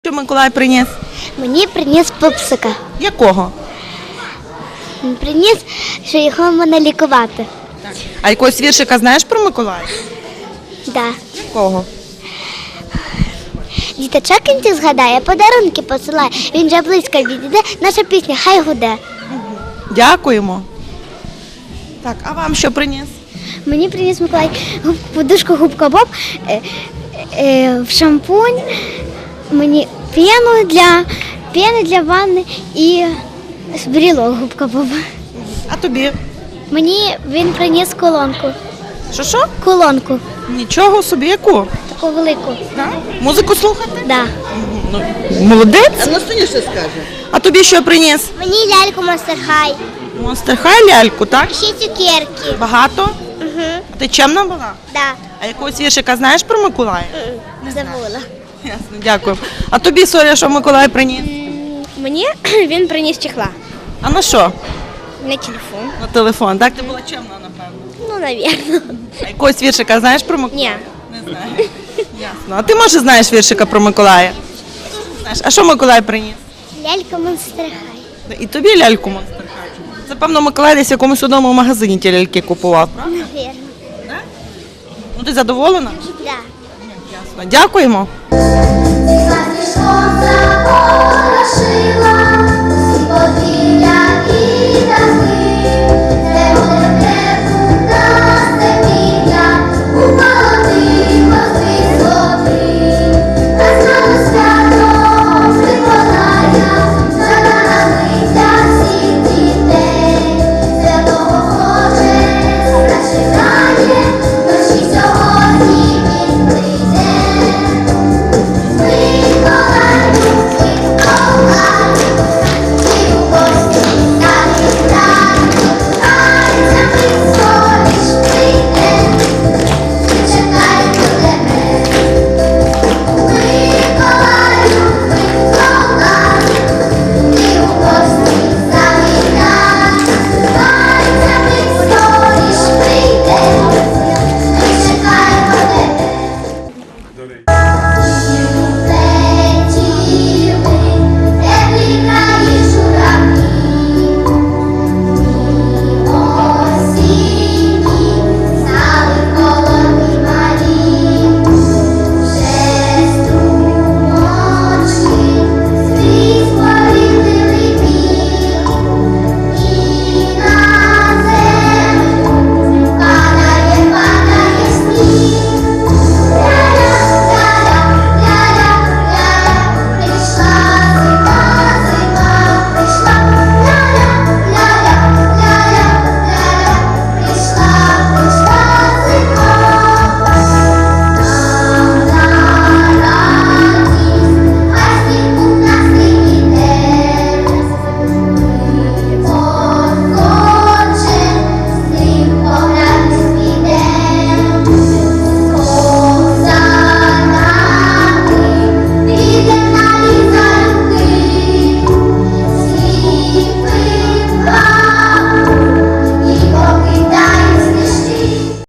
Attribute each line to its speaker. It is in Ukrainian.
Speaker 1: що Миколай приніс?
Speaker 2: Мені приніс пупсика.
Speaker 1: Якого?
Speaker 2: Він приніс, що його можна лікувати.
Speaker 1: А якогось віршика знаєш про Миколая?
Speaker 2: Да.
Speaker 1: Якого?
Speaker 2: Діточок кінці згадає, подарунки посилає. Він же близько відійде, наша пісня хай гуде.
Speaker 1: Дякуємо. Так, а вам що приніс?
Speaker 2: Мені приніс Миколай подушку губка Боб, в шампунь, мені пену для ванни і брілок губка Боб.
Speaker 1: А тобі?
Speaker 2: Мені він приніс колонку.
Speaker 1: Що?
Speaker 2: Колонку.
Speaker 1: Нічого собі, яку?
Speaker 2: Таку велику.
Speaker 1: Музику слухати?
Speaker 2: Да.
Speaker 1: Ну, молодець.
Speaker 3: А ну що скаже?
Speaker 1: А тобі що приніс?
Speaker 2: Мені ляльку Монстер Хай.
Speaker 1: Монстер Хай ляльку, так?
Speaker 2: Ще цукерки.
Speaker 1: Багато?
Speaker 2: Угу.
Speaker 1: А ти чемна була?
Speaker 2: Да.
Speaker 1: А якогось віршика знаєш про Миколая?
Speaker 2: Забула.
Speaker 1: Ясно, дякую. А тобі, Соля, що Миколай приніс?
Speaker 2: Мені він приніс чехла.
Speaker 1: А на що?
Speaker 2: На телефон.
Speaker 1: На телефон. Так, ти була чемна, напевно.
Speaker 2: Ну, навірно.
Speaker 1: А якогось віршика знаєш про Миколая?
Speaker 2: Ні.
Speaker 1: Не знаю. Ясно. А ти, може, знаєш віршика про Миколая? Знаєш. А що Миколай приніс?
Speaker 2: Лялька Монстер Хай.
Speaker 1: І тобі ляльку Монстер Хай. Це, певно, Миколай десь в якомусь одному магазині ті ляльки купував, правда?
Speaker 2: Навірно.
Speaker 1: Ну, ти задоволена?
Speaker 2: Да.
Speaker 1: Ясно. Дякуємо.